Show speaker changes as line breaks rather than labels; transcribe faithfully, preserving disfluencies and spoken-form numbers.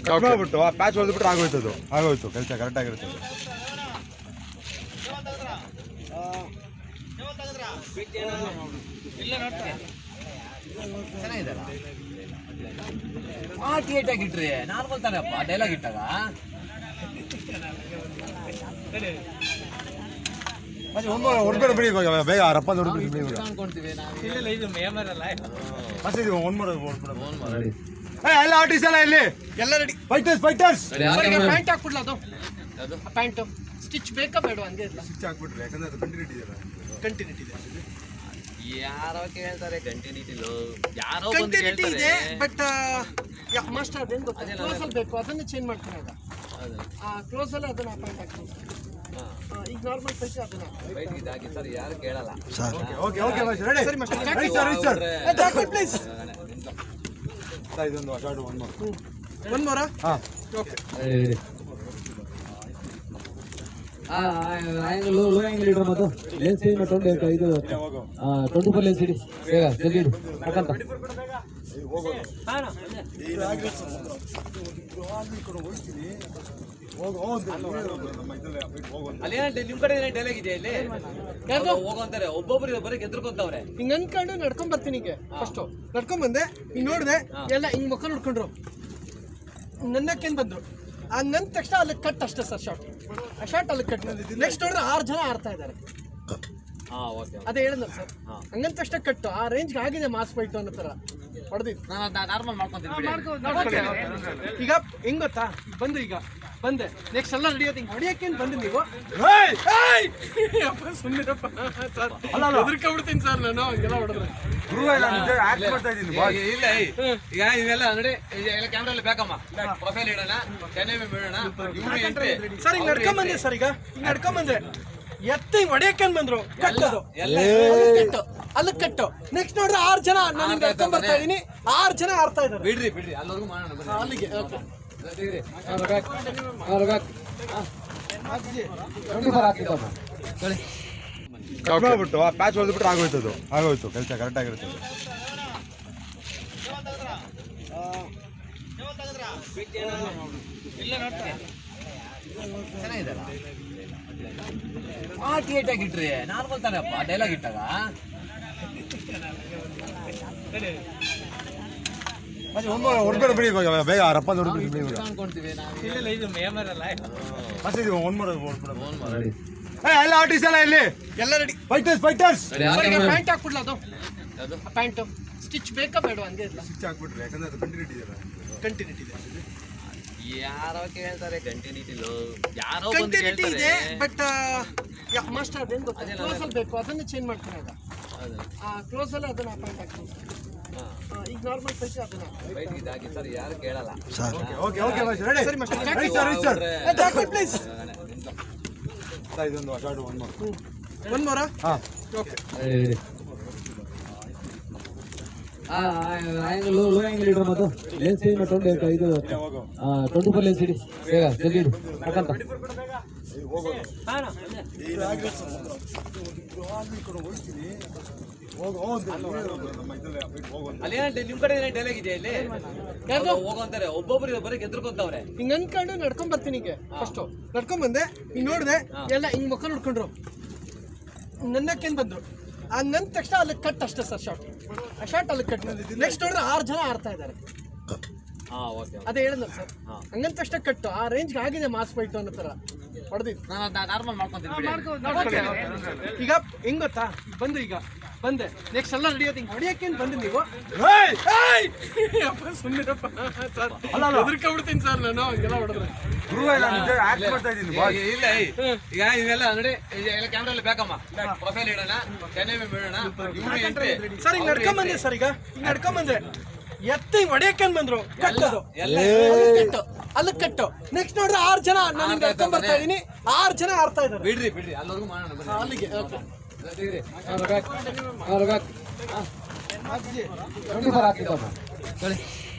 Cut ಮಾಡ್ಬಿಟ್ಟು ಆ patch ಹೊಡೆದ್ಬಿಟ್ರೆ ಆಗೋಯ್ತು, ಅದು ಆಗೋಯ್ತು ಕೆಲಸ ಕರೆಕ್ಟ್ ಆಗಿರುತ್ತೆ.
ಇಟ್ರಿ ನಾರ್ಮಲ್ ತಾನಪ್ಪ ಡೈಲಾಗ್ ಇಟ್ಟಾಗ
ಹೊಡ್ಕೊಂಡು ಬಿಡಿ ಇವಾಗ ಬೇಗ ರಪ್ಪ ಹೊಡ್ಬಿಡಿ ಎಲ್ಲ ಆರ್ಟಿಸ್ಟ್ ಎಲ್ಲ ಇಲ್ಲಿ
ಎಲ್ಲ ರೆಡಿ.
ಫೈಟರ್ಸ್ ಫೈಟರ್ಸ್
ಪ್ಯಾಂಟ್ ಹಾಕ್ಬಿಡ್ಲ ಅದು ಪ್ಯಾಂಟ್ ಸ್ಟಿಚ್ ಬೇಕಾ ಬೇಡ ಹಂಗೆ ಇಲ್ಲ
ಸ್ಟಿಚ್ ಹಾಕ್ಬಿಟ್ರೆ ಯಾಕಂದ್ರೆ ಅದು ಕಂಟಿನ್ಯೂಟಿ ಇದೆ
ಕಂಟಿನ್ಯೂಟಿ ಇದೆ
ಯಾರೋ ಕೇಳ್ತಾರೆ ಕಂಟಿನ್ಯೂಟಿ ಯಾರೋ
ಕಂಟಿನ್ಯೂಟಿ ಇದೆ ಬಟ್ ಮಾಸ್ಟರ್ ಅದೇನು ಗೊತ್ತಾ ಕ್ಲೋಸ್ ಅಲ್ಲಿ ಬೇಕು ಅದನ್ನ ಚೇಂಜ್ ಮಾಡ್ತೀನಿ ಆಗ ಆ ಕ್ಲೋಸ್ ಅಲ್ಲಿ ಅದನ್ನ ಪ್ಯಾಂಟ್ ಹಾಕ್ತೀನಿ ಈಗ ನಾರ್ಮಲ್ ಪೈಸೆ ಅದನ್ನ
ವೈಟ್ ಇದಾಗಿ ಸರ್ ಯಾರು ಕೇಳಲ್ಲ
sir. Okay okay master ready
ಸರಿ master
ready sir ready sir
jacket please
sir ಇದೊಂದು ಶಾರ್ಟ್ ಒನ್ ಮೋರ್
ಒನ್ ಮೋರಾ
ಹಾ
ಓಕೆ
ಆ ಆಂಗಲ್ ಲೋ ಆಂಗಲ್ ಇಡ್ರ ಮತ್ತು ಲೆನ್ಸ್ ಚೇಂಜ್ ಮಾಡ್ಕೊಂಡು ಇದು ಟ್ವೆಂಟಿ ಫೋರ್ ಲೆನ್ಸ್ ಇಡಿ ಬೇಗ ಜಲ್ದಿ ಇಡು ಯಾಕಂತ
ಅಲ್ಲಿ ನಿಮ್ ಕಡೆ ಡೈಲಾಗ್ ಇದೆ ಇಲ್ಲಿ ಹೋಗಂತಾರೆ ಒಬ್ಬೊಬ್ರು ಬರೀ ಗೆದ್ರಕೊಂತವ್ರೆ
ಹಿಂಗ್ ಅನ್ಕೊಂಡು ನಡ್ಕೊಂಡ್ ಬರ್ತೀನಿ ಈಗ ಫಸ್ಟ್ ನಡ್ಕೊಂಡ್ ಬಂದೆ ಹಿಂಗ್ ನೋಡ್ದೆ ಎಲ್ಲ ಹಿಂಗ್ ಮುಖ ನೋಡ್ಕೊಂಡ್ರು ನನ್ನಕ್ಕೇನ್ ಬಂದ್ರು ಆ ನನ್ ತಕ್ಷಣ ಅಲ್ಲಿ ಕಟ್ ಅಷ್ಟೇ ಸರ್ ಶಾರ್ಟ್ ಆ ಶಾರ್ಟ್ ಅಲ್ಲಿ ಕಟ್ ನೆಕ್ಸ್ಟ್ ನೋಡಿದ್ರೆ ಆರು ಜನ ಆಡ್ತಾ ಇದ್ದಾರೆ ಅದೇ ಹೇಳಿದ್ನಲ್ಲ ಸರ್ ಹಂಗಂತ ತಕ್ಷಣ ಕಟ್ಟು ಆ ರೇಂಜ್ಗೆ ಆಗಿದೆ ಮಾಸ್ ಫೈಟ್ ಅನ್ನೋ ತರ ಹೊಡೆದಿದ್ದು
ನಾರ್ಮಲ್ ಮಾಡ್ಕೊಂತೀನಿ
ಈಗ ಹೆಂಗ್ ಗೊತ್ತಾ ಬಂದು ಈಗ ಬಂದೆ ನೆಕ್ಸ್ಟ್ ಎಲ್ಲ ನಡೆಯೋದು ಹಿಂಗೆ ಹೊಡಿಯಕ್ಕೇನು ಬಂದು ನೀವು ಸುಮ್ಮನಿರಪ್ಪ ಸರ್ ಹೆದರ್ಕೊಂಡ್ಬಿಡ್ತೀನಿ ಸರ್ ನಾನು ಹಂಗೆಲ್ಲ ಹೊಡೆದ್ರೆ
ಇಲ್ಲ ಈಗ ಇವೆಲ್ಲ ನೋಡಿ ಎಲ್ಲ ಕ್ಯಾಮ್ರಲ್ಲಿ ಬೇಕಮ್ಮ ಪ್ರೊಫೈಲ್ ಇಡೋಣ ಚೆನ್ನೈ ಬಿಡೋಣ
ಸರ್ ಹಿಂಗ್ ನಡ್ಕೊಂಡ್ ಬಂದೆ ಸರ್ ಈಗ ಹಿಂಗ್ ನಡ್ಕೊಂಡ್ ಬಂದೆ ಎತ್ತ ಹಿಂಗ್ ಹೊಡಿಯಕ್ಕೇನ್ ಬಂದ್ರು ಕಟ್ಟೋದು ಕಟ್ಟು ಅಲ್ಲಿ ಕಟ್ಟು ನೆಕ್ಸ್ಟ್ ನೋಡ್ರೆ ಆರು ಜನ ನಾನು ನಡ್ಕೊಂಡ್ ಬರ್ತಾ ಇದೀನಿ ಆರು ಜನ ಆಡ್ತಾ ಇದ್ದಾರೆ
ಬಿಡ್ರಿ ಬಿಡ್ರಿ ಅಲ್ಲಿವರೆಗೂ ಮಾಡೋಣ
ಅಲ್ಲಿಗೆ
ಕಟ್ ಮಾಡ್ಬಿಟ್ಟು ಆ ಪ್ಯಾಚ್ ಹೊಡೆದ್ಬಿಟ್ರೆ ಆಗೋಯ್ತು, ಅದು ಆಗೋಯ್ತು ಕೆಲಸ ಕರೆಕ್ಟ್ ಆಗಿರುತ್ತೆ.
ಚೆನ್ನಾಗಿದಲ್ಲ ಆ ಥಿಯೇಟಾಗಿ ಇಟ್ರಿ ನಾರ್ಮಲ್ ತಾನಪ್ಪ ಡೈಲಾಗ್ ಇಟ್ಟಾಗ
ಹೊಡ್ಕೊಂಡು ಬಿಡಿ ಇವಾಗ ಬೇಗ ರಪ್ಪ ಹೊಡ್ಬಿಡಿ
ಅನ್ಕೊಂತೀವಿ
ಒನ್ ಮೋರ್ ಎಲ್ಲ ಆರ್ಟಿಸ್ಟ್ ಎಲ್ಲ ಇಲ್ಲಿ
ಎಲ್ಲ ರೆಡಿ.
ಫೈಟರ್ಸ್ ಫೈಟರ್ಸ್
ಪ್ಯಾಂಟ್ ಹಾಕ್ಬಿಡ್ಲ ಅದು ಪ್ಯಾಂಟ್ ಸ್ಟಿಚ್ ಬೇಕಾ ಬೇಡ ಹಂಗೆ ಇಲ್ಲ
ಸ್ಟಿಚ್ ಹಾಕ್ಬಿಟ್ರೆ ಯಾಕಂದ್ರೆ ಅದು ಕಂಟಿನ್ಯೂಟಿ ಇದೆ
ಕಂಟಿನ್ಯೂಟಿ ಇದೆ
ಯಾರೋ ಕೇಳ್ತಾರೆ ಕಂಟಿನ್ಯೂಟಿ ಯಾರೋ
ಕಂಟಿನ್ಯೂಟಿ ಇದೆ ಬಟ್ ಮಾಸ್ಟರ್ ಅದೇನು ಗೊತ್ತಾ ಕ್ಲೋಸ್ ಅಲ್ಲಿ ಬೇಕು ಅದನ್ನ ಚೇಂಜ್ ಮಾಡ್ತೀನಿ ಆಗ ಆ ಕ್ಲೋಸ್ ಅಲ್ಲಿ ಅದನ್ನ ಪ್ಯಾಂಟ್ ಹಾಕ್ತೀನಿ ಈಗ ನಾರ್ಮಲ್ ಪೈಸೆ ಅದನ್ನ
ವೈಟ್ ಇದಾಗಿ ಸರ್ ಯಾರು ಕೇಳಲ್ಲ
sir. Okay okay master ready
ಸರಿ master
ready sir ready sir
jacket please
sir ಇದೊಂದು ಶಾರ್ಟ್ ಒನ್ ಮೋರ್
ಒನ್ ಮೋರಾ
ಹಾ
ಓಕೆ
ಆ ಆಂಗಲ್ ಲೋ ಆಂಗಲ್ ಇಡ್ರ ಮತ್ತು ಲೆನ್ಸ್ ಚೇಂಜ್ ಮಾಡ್ಕೊಂಡು ಇದು ಟ್ವೆಂಟಿ ಫೋರ್ ಲೆನ್ಸ್ ಇಡಿ ಬೇಗ ಜಲ್ದಿ ಇಡು ಯಾಕಂತ
ಅಲ್ಲಿ ನಿಮ್ ಕಡೆ ಡೈಲಾಗ್ ಇದೆ ಇಲ್ಲಿ ಹೋಗಂತಾರೆ ಒಬ್ಬೊಬ್ರು ಬರೀ ಗೆದ್ರಕೊಂತವ್ರೆ
ಹಿಂಗ್ ಅನ್ಕೊಂಡು ನಡ್ಕೊಂಡ್ ಬರ್ತೀನಿ ಈಗ ಫಸ್ಟ್ ನಡ್ಕೊಂಡ್ ಬಂದೆ ಹಿಂಗ್ ನೋಡ್ದೆ ಎಲ್ಲ ಹಿಂಗ್ ಮುಖ ನೋಡ್ಕೊಂಡ್ರು ನನ್ನಕ್ಕೇನ್ ಬಂದ್ರು ಆ ನನ್ ತಕ್ಷಣ ಅಲ್ಲಿ ಕಟ್ ಅಷ್ಟೇ ಸರ್ ಶಾರ್ಟ್ ಆ ಶಾರ್ಟ್ ಅಲ್ಲಿ ಕಟ್ ನೆಕ್ಸ್ಟ್ ನೋಡಿದ್ರೆ ಆರು ಜನ ಆಡ್ತಾ ಇದ್ದಾರೆ ಅದೇ ಹೇಳಿದ್ನಲ್ಲ ಸರ್ ಹಂಗಂತ ತಕ್ಷಣ ಕಟ್ಟು ಆ ರೇಂಜ್ಗೆ ಆಗಿದೆ ಮಾಸ್ ಫೈಟ್ ಅನ್ನೋ ತರ ಹೊಡೆದಿದ್ದು
ನಾರ್ಮಲ್ ಮಾಡ್ಕೊಂತೀನಿ
ಈಗ ಹೆಂಗ್ ಗೊತ್ತಾ ಬಂದು ಈಗ ಬಂದೆ ನೆಕ್ಸ್ಟ್ ಎಲ್ಲ ನಡೆಯೋದು ಹಿಂಗೆ ಹೊಡಿಯಕ್ಕೇನು ಬಂದು ನೀವು ಸುಮ್ಮನಿರಪ್ಪ ಸರ್ ಹೆದರ್ಕೊಂಡ್ಬಿಡ್ತೀನಿ ಸರ್ ನಾನು ಹಂಗೆಲ್ಲ ಹೊಡೆದ್ರೆ
ಇಲ್ಲ ಈಗ ಇವೆಲ್ಲ ನೋಡಿ ಎಲ್ಲ ಕ್ಯಾಮ್ರಲ್ಲಿ ಬೇಕಮ್ಮ ಪ್ರೊಫೈಲ್ ಇಡೋಣ ಚೆನ್ನೈ ಬಿಡೋಣ
ಸರ್ ಹಿಂಗ್ ನಡ್ಕೊಂಡ್ ಬಂದೆ ಸರ್ ಈಗ ಹಿಂಗ್ ನಡ್ಕೊಂಡ್ ಬಂದೆ ಎತ್ತ ಹಿಂಗ್ ಹೊಡಿಯಕ್ಕೇನ್ ಬಂದ್ರು ಕಟ್ಟೋದು ಕಟ್ಟು ಅಲ್ಲಿ ಕಟ್ಟು ನೆಕ್ಸ್ಟ್ ನೋಡ್ರೆ ಆರು ಜನ ನಾನು ನಡ್ಕೊಂಡ್ ಬರ್ತಾ ಇದೀನಿ ಆರು ಜನ ಆಡ್ತಾ ಇದ್ದಾರೆ
ಬಿಡ್ರಿ ಬಿಡ್ರಿ ಅಲ್ಲಿವರೆಗೂ ಮಾಡೋಣ
ಅಲ್ಲಿಗೆ
ಟ್ವೆಂಟಿ ಫೋರ್ ಹಾಕಿದ್ದಮ್ಮ